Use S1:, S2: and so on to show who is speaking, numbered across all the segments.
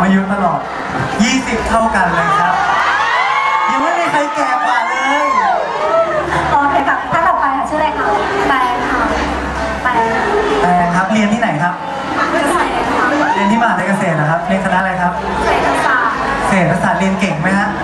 S1: อายุตลอด20เท่ากันเลยครับยังไม่มีใครแก่กว่าเลย
S2: โอเคครับถ้าต่อไปชื่ออะไรคะแปงค่ะแปง
S1: ครับเรียนที่ไหนครับ
S2: เกษตรค่ะ
S1: เรียนที่มหาวิทยาลัยเกษตรนะครับเรียนคณะอะไรครับ
S2: เศรษฐศาสตร์
S1: เรียนเก่งไหมฮะ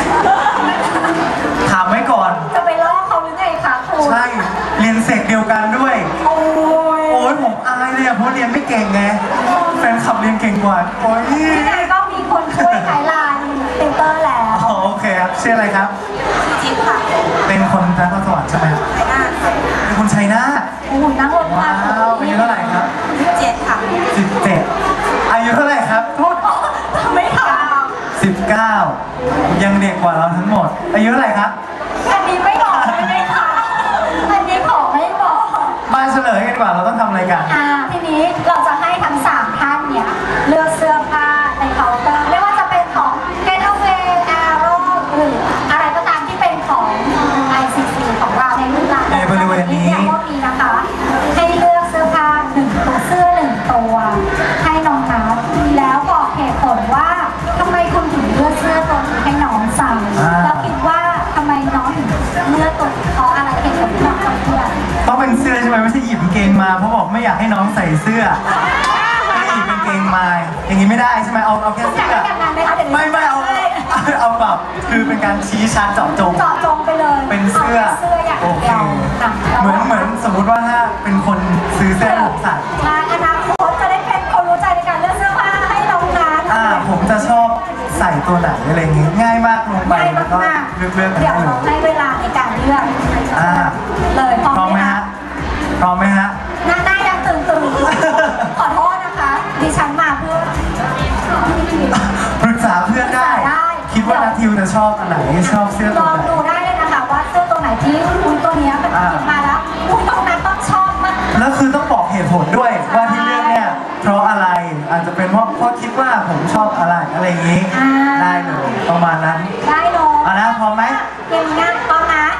S1: ถามไว้ก่อน
S2: จะไปล่อเขาหรือไงคะครู
S1: ใช่เรียนเสกเดียวกันด้วยโอ้ยผมอายเลยอะเพราะเรียนไม่เก่งไงแฟนขับเรียนเก่งกว่าโอ้ย
S2: ที่ไหนก็มีคนช่วยไกด์ไลน์ติวเตอร์แล้ว
S1: โอเคครับชื่ออะไรครับ
S2: จิ๊บค่ะ
S1: เป็นคนนครสวรรค์ใช่ไหมครับเป็นคนชัยนาท
S2: โอ้โหนั่งรถมา
S1: อายุเท่าไหร่ครับ
S2: 17ค่ะ
S1: 17อายุเท่าไหร่ครับโทษ
S2: ไม่ถาม
S1: 19ยังเด็กกว่าเราทั้งหมดอายุเท่าไหร่ครับ
S2: อันนี้ไม่บอกไม่ได้ค่ะอันนี้ขอไม่บอก
S1: มาเฉลยกันดีกว่าเราต้องทำอะไรกัน
S2: ทีนี้เราจะให้ทั้ง3ท่านเนี่ยเลือกเสื้อผ้าในเคาน์เตอร์ไม่ว่าจะเป็นของ Getaway Arrow หรืออะไรก็ตามที่เป็นของ ICC ของเราในรุ่นใน
S1: บริเวณนี้
S2: ก็มีนะคะให้เลือกเสื้อผ้า1ตัวเสื้อ1ตัวให้น้องนับแล้วบอกเหตุผลว่าทำไมคุณถึงเลือกเสื้อตัวนี้ให้น้องใส่แล้วคิดว่าทำไมน้องถึงเลือกตัวเพราะอะไรเหตุผลที่น้องทำเพื่อ
S1: ต้องเป็นเสื้อใช่ไหมไม่ใช่หยิบกางเกงมาเพราะบอกไม่อยากให้น้องใส่เสื้อไม่หยิบกางเกงมาอย่างนี้ไม่ได้ใช่ไหมเอาแค่เสื้อไม่เอาแบบคือเป็นการชี้ชัดเจาะจง
S2: ไปเลย
S1: เป็นเสื้อ
S2: โอเค
S1: เหมือนสมมติว่าถ้าเป็นคนซื้อเสื้อผมใส่
S2: อนาคตจะได้เป็นคนรู้ใจในการเลือกเสื้อผ้าให้น้องนัท
S1: ผมจะชอบใส่ตัวไหนอะไรอย่างงี้ง่ายมากลงไปแล้วก็เลือก
S2: เดี๋ยวเราให้เวลาในการเลือกเลยพร้อมไหมฮะหน้ายังตื่นขอโทษนะคะดิฉันมาเพื่อ
S1: ปรึกษาเพื่อนได้คิดว่านัททิวจะชอบอันไหนชอบเสื้อตัวไหน
S2: ลองดูได้เลยนะคะว่าเสื้อตัวไหนที่คุณตัวนี้เป็นติดมาแล้วคุณตรงนั้นต้องชอบมาก
S1: แล้วคือต้องบอกเหตุผลด้วยว่าที่เลือกเนี่ยเพราะอะไรอาจจะเป็นเพราะคิดว่าผมชอบอะไรอย่างนี้ได้เลยประมาณนั้น
S2: ได้เลย
S1: เอานะพร้อมไหม
S2: เกมงานพร้อมนะ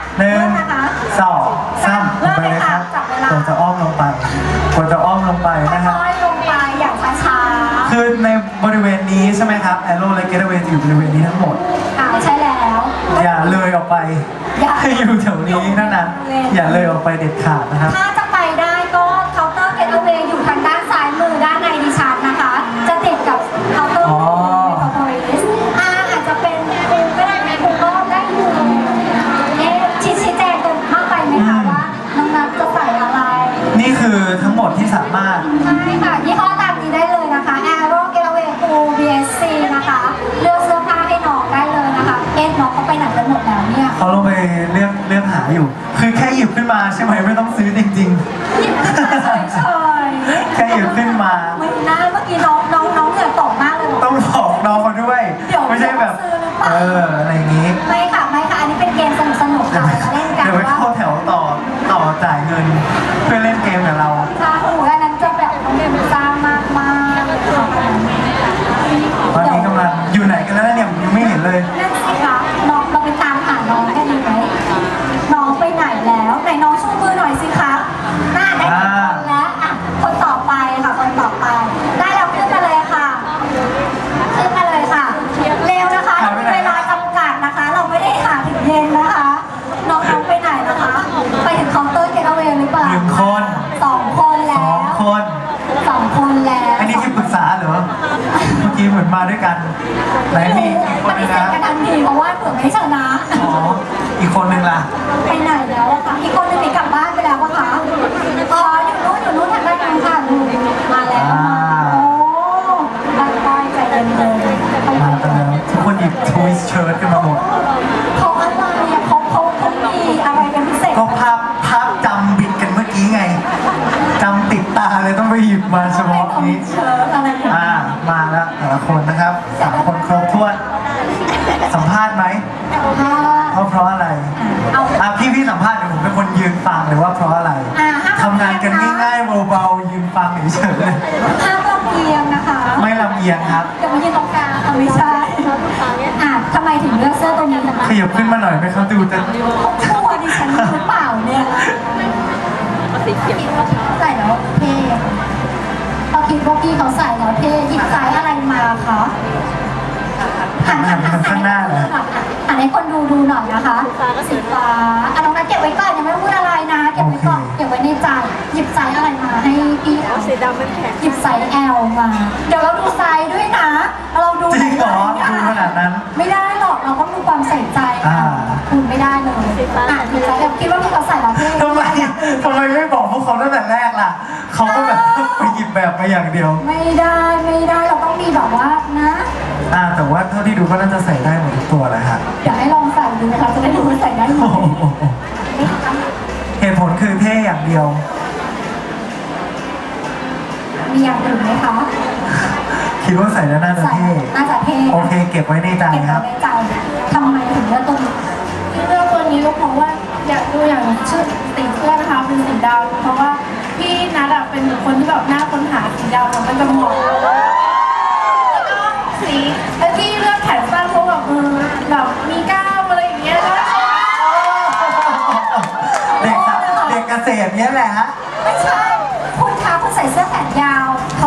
S1: 1 2 3ไปเลยครับกดจะอ้อมลงไปนะครับ
S2: ค่อยๆลงไปอย่างช้า
S1: ๆคือในบริเวณนี้ใช่ไหมครับ Arrow และ Getaway จะอยู่บริเวณนี้ทั้งหมด
S2: ใช่แล้ว
S1: อย่าเลยออกไปให้อยู่แถวนี้เท่านั้นอย่าเลยออกไปเด็ดขาดนะครับ
S2: ถ้าจะไปได้ก็เคาน์เตอร์ Getaway อยู่ทางด้านซ้ายมือด้านในดิฉันนะคะจะติดกับเคาน์เตอร์อาจจะเป็นครูก็ได้ครูก็ได้อยู่ชี้แจงกันมากไปไหมคะว่าน้องนัทจะใส่อะไร
S1: นี่คือทั้งหมดที่สามารถ
S2: ใช่ค่ะยี่ห้อตามนี้ได้เลยนะคะ Arrow Getaway Cool BSC นะคะเลือกเสื้อผ้าให้น้องได้เลยนะคะน้องเขาไปไหนกันหมดแล้วเนี่ย
S1: เขาลงไปเลือกหาอยู่คือแค่หยิบขึ้นมาใช่ไหมไม่ต้องซื้อจริง
S2: ๆหยิบขึ้นมาเฉย
S1: ๆแค่หยิบขึ้นมา
S2: ไม่น่าเมื่อกี้น้องเหงื่อตกมากเลย
S1: ต้องบอกน้องเขาด้วยไม่ใช่แบบอะไรอย่างนี้
S2: ไม่ค่ะอันนี้เป็นเกมสนุกค่ะเล่นกัน
S1: เดี๋ยวไปเข้าแถวต่อจ่ายเงินเพื่อเล่นเกมกับเรา
S2: ค่ะอันนั้นจะแบบต้องเรียนสร้างมาก
S1: ตอนนี้กำลังอยู่ไหนกันแล้วเนี่ยยังไม่เห็นเลย
S2: นั่นสิคะน้องเราไปตามหาน้องกันดีไหมน้องไปไหนแล้วไหนน้องชูมือหน่อยสิคะหน้าได้คนแล้วคนต่อไปค่ะได้แล้วขึ้นมาเลยค่ะเร็วนะคะเรามีเวลาจำกัดนะคะเราไม่ได้หาถึงเย็นนะคะน้องไปไหนนะคะไปถึงเคาน์เตอร์ Getaway หรือเปล่า
S1: 1 คน
S2: 2 คนแล้ว2 คนแล้ว
S1: อันนี้ที่ปรึกษาเหรอเมื่อกี้เหมือนมาด้วยกันไหนมี
S2: ปฏิเสธกันทันทีเพราะว่าเผื่อไม่ชนะ
S1: อีกคนนึงล่ะ
S2: ไปไหนแล้วอะคะอีกคนนึงหนีกลับบ้านไปแล้วอะคะอยู่นู้นทางด้านนู้นค่ะมาแล้วค่อยๆใจเย็น
S1: ๆมาแล้วทุกคนหยิบทวิสเชิ้ตกันมาหมด
S2: เขาอะไรอะเขามีอะไรเป็นพิเศษ
S1: ก็ภาพจำบิดกันเมื่อกี้ไงจำติดตาเลยต้องไปหยิบมาเฉพาะนี้มาแล้วแต่ละคนนะครับ3 คนครบถ้วนสัมภาษณ์ไหมเพราะอะไรพี่สัมภาษณ์เดี๋ยวผมเป็นคนยืนฟังหรือว่าเพราะอะไรทำงานกันง่ายๆเบาๆยืนฟังเฉยๆเลย
S2: ห้ามลำเอียงนะคะ
S1: ไม่ลำเอียงครับ
S2: เดี๋ยวมายืนตรงกลางไม่ใช่ทำไมถึงเลือกเสื้อตัวนี้นะคะ
S1: ขยับขึ้นมาหน่อยไหมครับดูจะ
S2: ทั่วดิฉันหรือเปล่าเนี่ยใส่แล้วเท่พอคิดว่าพี่เขาใส่แล้วเท่หยิบสายอะไรมาคะอันนี้คนดูหน่อยนะคะสีฟ้าอ่ะน้องนัทเก็บไว้ก่อนยังไม่พูดอะไรนะเก็บไว้ก่อนเก็บไว้ในใจหยิบไซส์อะไรมาให้พี่สีดำเป็นแข็งหยิบไซส์ L มาเดี๋ยวเราดูไซส์ด้วยนะเราดู
S1: จริงเหรอดูขนาดนั้น
S2: ไม่ได้หรอกเราต้องดูความใส่ใจคุณไม่ได้เลยอ่ะหยิบไซส์ L คิดว่าพี่เขาใส่แล้วพี่
S1: ทำไมไม่บอกพวกเขาตั้งแต่แรกล่ะเขาก็แบบไปหยิบแบบมาอย่างเดียว
S2: ไม่ได้เราต้องมีแบบว่านะ
S1: แต่ว่าเท่าที่ดูก็น่าจะใส่ได้หมดทุกตัวเลยค่ะ
S2: อยากให้ลองใส่ดูนะคะจะได้ดูว่าใส่ได้ไหม
S1: เหตุผลคือเท่อย่างเดียว
S2: มีอย่างอื่นไหมคะ
S1: คิดว่าใส่แล้วน่าจะเท่โอเคเก็บไว้ในใจครับ
S2: ทำไมถึงเลือกตัวนี้
S3: ที่เลือกตัวนี้ก็เพราะว่าอยากดูอย่างชื่อสีเสื้อนะคะเป็นสีดำเพราะว่าพี่นัทเป็นคนที่แบบหน้าค้นหาสีดำมันจะเหมาะแล้วก็สีแล้วที่เลือกแขนสั้นเพราะแบบแบบมีกล้ามอะไรอย่างเงี้ยแล้ว
S1: เด็กเกษตรเนี้ยแหละฮะ
S2: ไม่ใช่คุณคะคุณใส่เสื้อแขนยาว